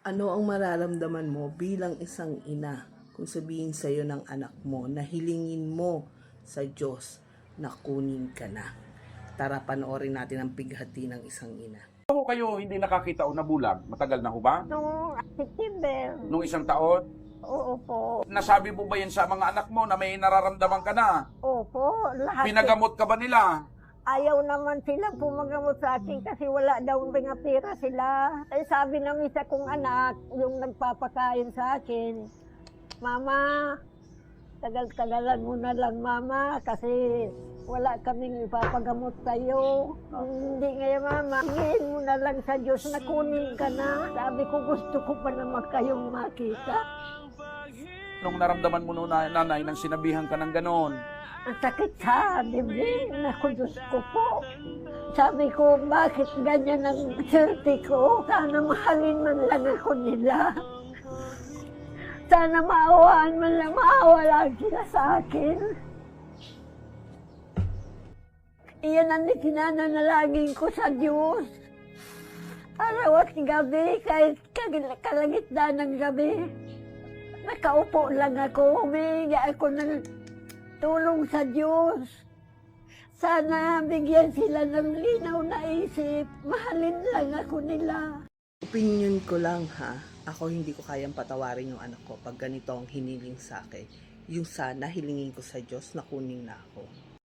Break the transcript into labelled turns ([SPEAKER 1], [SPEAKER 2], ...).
[SPEAKER 1] Ano ang mararamdaman mo bilang isang ina kung sabihin sa iyo ng anak mo na hilingin mo sa Diyos na kunin ka na? Tara, panoorin natin ang pighati ng isang ina.
[SPEAKER 2] Ako kayo hindi nakakita o nabulag? Matagal na ho ba?
[SPEAKER 3] Noong September.
[SPEAKER 2] Nung isang taon?
[SPEAKER 3] Oo po.
[SPEAKER 2] Nasabi mo ba yan sa mga anak mo na may nararamdaman ka na?
[SPEAKER 3] Opo. Lahat.
[SPEAKER 2] Pinagamot ka ba nila?
[SPEAKER 3] Ayaw naman sila pumagamot sa akin kasi wala daw mga pera sila. Ay sabi ng isa kong anak, yung nagpapakain sa akin, Mama, tagal-tagalan mo na lang Mama kasi wala kaming ipapagamot sa'yo. Hindi ngayon Mama, hingin mo na lang sa Diyos na kunin ka na. Sabi ko gusto ko pa naman kayong makita.
[SPEAKER 2] Nung naramdaman mo nung nanay nang sinabihan ka ng ganon?
[SPEAKER 3] Ang sakit sa dibdib. Naku, Diyos ko po. Sabi ko, bakit ganyan ang swerte ko? Sana mahalin man lang ako nila. Sana maawaan man lang, maawa lang sila sa akin. Iyan ang pinananalangin ko sa Diyos. Araw at gabi, kahit kalagitnaan ng gabi. Nakaupo lang ako, humingi ako ng tulong sa Diyos. Sana bigyan sila ng linaw na isip. Mahalin lang ako nila.
[SPEAKER 1] Opinion ko lang ha, ako hindi ko kayang patawarin yung anak ko pag ganito ang hiniling sa akin. Yung sana hilingin ko sa Diyos na kunin na ako.